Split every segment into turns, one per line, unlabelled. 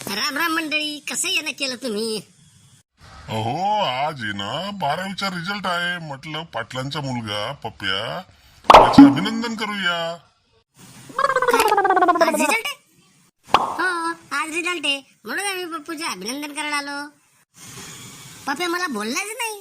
राम राम मंडळी, कसं येणं केलं तुम्ही?
अहो आज आहे ना 12वीचा रिझल्ट आहे. म्हटलं पाटलांचा मुलगा पप्प्या त्याचं अभिनंदन करूया.
आज रिझल्ट आहे? हो, आज रिझल्ट आहे म्हणून आम्ही पप्पूचे अभिनंदन करायला आलो. पप्प्या मला बोललाच नाही.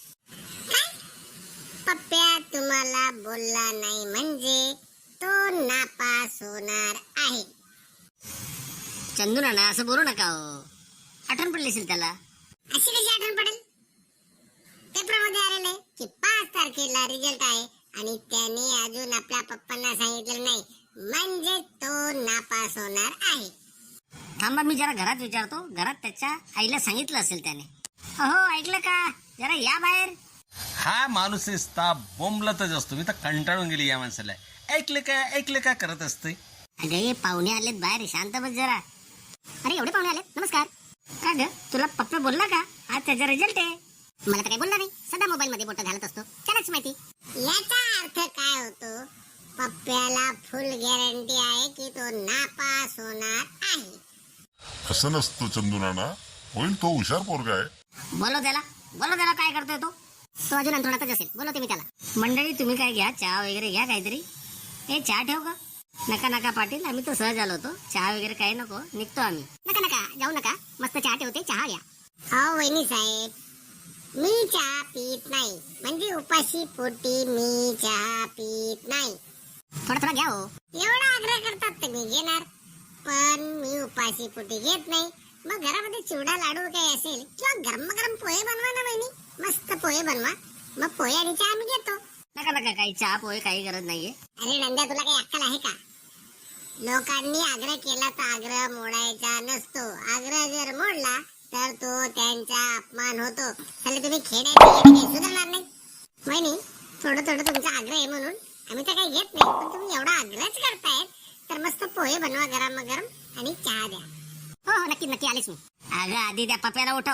पप्प्या तुम्हाला बोलला नाही म्हणजे तो नापास होणार आहे.
चंदू नाना असं बोलू नका हो. आठवण पडली असेल त्याला.
अशी कशी आठवण पडेल? पेपरमध्ये आलेलं आहे की 5 तारखेला रिझल्ट आहे आणि त्याने अजून आपल्या पप्पांना सांगितलं नाही म्हणजे तो नापास होणार आहे.
थांबा, मी जरा घरात विचारतो. घरात त्याच्या आईला सांगितलं असेल त्याने. अहो ऐकलं का? जरा या बाहेर.
हा माणूस नुसता बोंबलतच असतो. मी तर कंटाळून गेली या माणसाला. ऐकलं का करत असते.
अगे पाहुणे आलेत बाहेर, शांत बस जरा. अरे एवढे पाहुणे आलेत, नमस्कार. का ग, तुला पप्पा बोलला का आज त्याचा रिझल्ट आहे?
मला तर काही बोलला नाही. सदा मोबाईल मध्ये बोट घालत असतो, त्यालाच माहिती. याचा अर्थ काय होतो? पप्प्याला फुल गॅरंटी आहे की तो नापास होणार आहे.
असं नसतं चंदू नाना, होईल तो हुशार पोरगा आहे.
बोलो त्याला काय करतोय तो?
तो अजून अंथरुणातच असेल. बोलवते मी त्याला.
मंडळी तुम्ही काय घ्या, चहा वगैरे घ्या काहीतरी. हे चहा ठेव का? नका पाटील, आम्ही तर सहज आलो होतो. चहा वगैरे काही नको, निघतो आम्ही.
नका जाऊ नका. मस्त चहा ठेवते, चहा घ्या. हो वहिनी साहेब, मी चहा पीत नाही. म्हणजे उपाशी पोटी मी चहा पीत नाही.
थोडा घ्या हो.
एवढा आग्रह करतात तर मी घेणार, पण मी उपाशी पोटी घेत नाही. मग घरामध्ये चिवडा लाडू काही असेल किंवा गरम पोहे बनवा ना वहिनी. मस्त पोहे बनवा, मग पोहे आणि चहा मी घेतो.
नका काही चहा पोहे काही गरज नाहीये.
अरे नंद्या, तुला काही अक्कल आहे का? लोकांनी आग्रह केला तर आग्रह मोडायचा नसतो. आग्रह जर मोडला तर तो त्यांचा अपमान होतो. त्याला तुम्ही खेळायचे सुधारणार नाही. वहिनी, थोडं तुमचा आग्रह आहे म्हणून आम्ही तर काही घेत नाही, पण तुम्ही एवढा आग्रहच करतायत तर मस्त पोहे बनवा गरम आणि चहा द्या.
हो नक्की आलेच मी. अगं आधी त्या पप्याला उठव.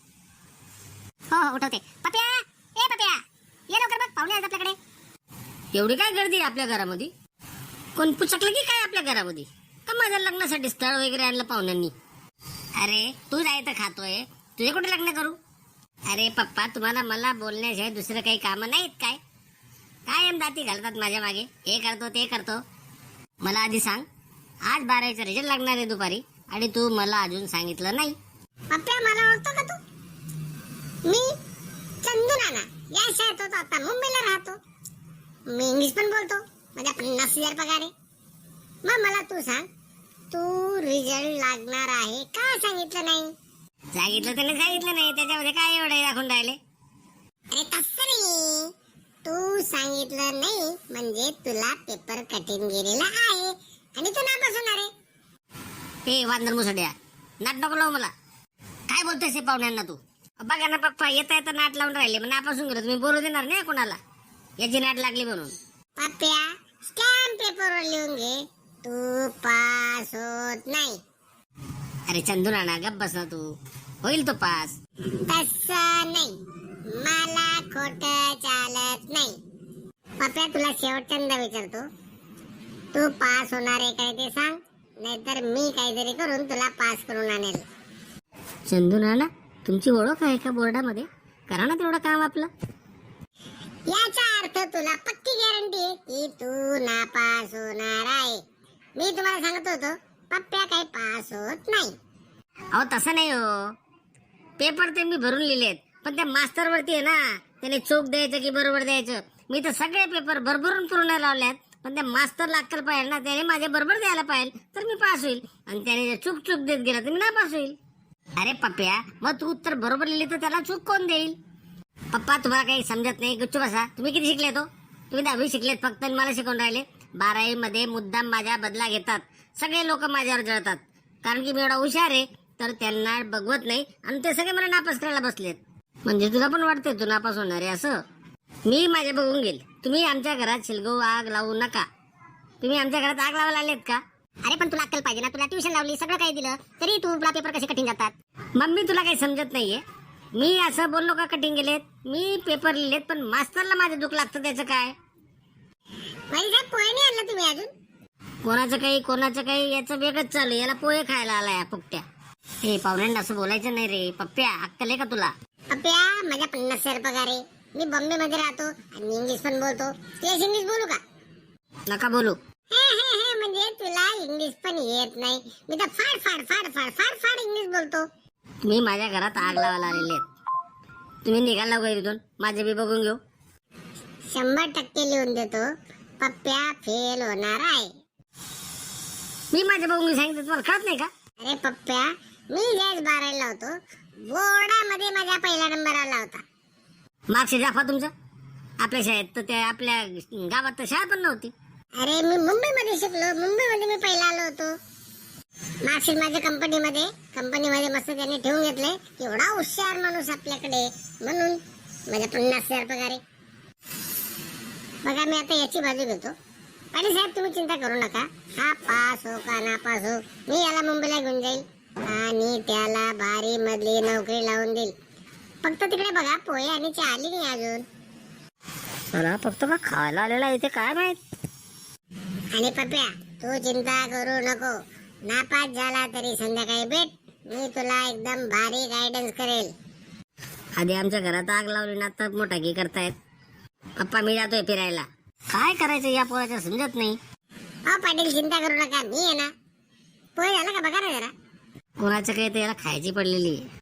हो उठवते. पप्या, ए पप्या, ये लवकर बघ, पाहुणे आहेत आपल्याकडे. एवढी काय गर्दी आहे आपल्या घरामध्ये? कोण पुचकलं की काय आपल्या घरामध्ये? का माझ्या लग्नासाठी स्थळ वगैरे आणलं पाहुण्यांनी? अरे तू जायचं खातोय, तुझे कुठे लग्न करू? अरे पप्पा, तुम्हाला मला बोलण्याशिवाय दुसरं काही कामं नाहीत काय? कायम दाती घालतात माझ्या मागे. हे करतो ते करतो. मला आधी सांग, आज 12वीचा रिझल्ट लागणार आहे दुपारी आणि तू मला अजून सांगितलं नाही.
पप्प्या, मला ओळखतो का तू? मी चंदू नाना या शाळेत होतो, आता मुंबईला राहतो. मी इंग्लिश पण बोलतो. माझ्या 50,000 पगार आहे. मग मला तू सांग, तू रिझल्ट लागणार आहे का सांगितलं नाही?
सांगितलं नाही, त्याच्यामध्ये काय एवढं दाखवून राहिले?
अरे तसं नाही, तू सांगितलं नाही म्हणजे तुला पेपर कठीण गेलेला आहे आणि तू नापास होणार आहे.
हे वांदर मुसड्या, नाट नको लावू मला. काय बोलतोयस हे पाहुण्यांना तू? बघा ना पप्पा, येता नाट लावून राहिले. मग नापासून गेलो, तुम्ही बोलू देणार नाही कोणाला याची नाट लागली म्हणून.
पप्प्या, स्टॅम्प पेपरवर लिहून घे, तू पास होत नाही.
अरे चंदू नाना गप्प बस ना तू. होईल तो पास.
तसं नाही, मला खोटं चालत नाही. पप्प्या, तुला शेवटच्यांदा विचारतो, तू पास होणार आहे काय ते सांग, नाहीतर मी काहीतरी करून तुला पास करून आणेल.
चंदू नाना, तुमची ओळख आहे का बोर्डामध्ये? करा ना तेवढं काम आपलं.
याचा अर्थ तुला पक्की गॅरंटी आहे की तू नापास होणार आहे. मी तुम्हाला सांगत होतो, पप्प्या काही पास होत नाही.
अहो तसं नाही हो. पेपर ते मी भरून लिहिलेत, पण त्या मास्तर वरती आहे ना, त्याने चूक द्यायचं की बरोबर द्यायचं. मी तर सगळे पेपर भरभरून पूर्ण लावल्यात, पण त्या मास्तरला अक्कल पाहिजे ना, त्याने माझ्या बरोबर द्यायला पाहिजे तर मी पास होईल. आणि त्याने चूक देत गेला तर मी नापास होईल. अरे पप्प्या, मग तू उत्तर बरोबर लिहिली तर त्याला चूक कोण देईल? पप्पा, तुम्हाला काही समजत नाही. गुच्छ बसा. तुम्ही किती शिकलेत हो? तुम्ही 10वी शिकलेत फक्त आणि मला शिकवून राहिले. 12वी मध्ये मुद्दाम माझ्या बदला घेतात. सगळे लोक माझ्यावर जळतात कारण की मी एवढा हुशार आहे, तर त्यांना बघवत नाही आणि ते सगळे मला नापास करायला बसलेत. म्हणजे तुला पण वाटतंय तू नापास होणार आहे असं? मी माझे बघून गेल. तुम्ही आमच्या घरात शिलगो आग लावू नका. तुम्ही आमच्या घरात आग लावायला आलेत का?
अरे पण तुला अक्कल पाहिजे ना. तुला ट्युशन लावली, सगळं काही दिलं, तरी तुला पेपर कसे कठीण जातात?
मम्मी तुला काही समजत नाहीये. मी असं बोललो का कठीण गेलेत? मी पेपर लिहिलेत, पण मास्तरला माझं दुःख लागतं त्याचं काय?
साहेब, पोहे नाही आणलं तुम्ही अजून?
कोणाचं काही याचं वेगळंच चालू. याला पोहे खायला आलाय फुकट्या. हे पाहुण्यांना असं बोलायचं नाही रे. पप्प्या अक्कल आहे का तुला?
पप्प्या माझ्या 50,000 पगार आहे. मी बॉम्बे मध्ये राहतो आणि इंग्लिश पण बोलतो. तेच इंग्लिश बोलू का?
नका बोलू.
म्हणजे तुला इंग्लिश पण येत नाही. मी तर फाड फाड फाड फाड फाड फाड इंग्लिश बोलतो.
तुम्ही माझ्या घरात आग लावायला आलेले आहेत. तुम्ही निघाला का इथून? माझे बी बघून घेऊ.
100% लिहून देतो. पप्प्या फेल होणार आहे.
मी माझ्या बघून सांगितलं तुम्हाला कळत नाही का?
अरे पप्प्या, मी ज्यावेळेस 12वीला होतो बोर्डामध्ये माझा पहिला नंबर आला होता.
मार्कशीट दाखवा तुमचं. आपल्या शाळेत तर त्या आपल्या गावात तर शाळा पण नव्हती.
अरे मी मुंबईमध्ये शिकलो. मुंबईमध्ये मी पहिला आलो होतो. मार्कशीट माझ्या कंपनीमध्ये मस्त त्यांनी ठेवून घेतले. एवढा हुशार माणूस आपल्याकडे म्हणून माझ्या 50,000 पगार आहे. बघा मी आता याची बाजू घेतो. पाटील साहेब तुम्ही चिंता करू नका. हा पास हो का नापास हो, मी याला मुंबईला घेऊन जाईल आणि त्याला भारी मधली नोकरी लावून देईल. फक्त तिकडे बघा पोहे आणि चहा आली नाही अजून.
मला फक्त का खायला आलेला इथे काय माहित.
आणि पप्प्या तू चिंता करू नको. नापास झाला तरी संध्याकाळी भेट. मी तुला एकदम भारी गायडन्स करेल.
आधी आमच्या घरात आग लावली ना तर मोठा की करतायत. पप्पा मी जातोय फिरायला. काय करायचं या पोराच्या समजत नाही.
पाटील चिंता करू नका, मी आहे ना. पोहे झालं का बघा ना जरा.
कोणाचं काही तर याला खायची पडलेली आहे.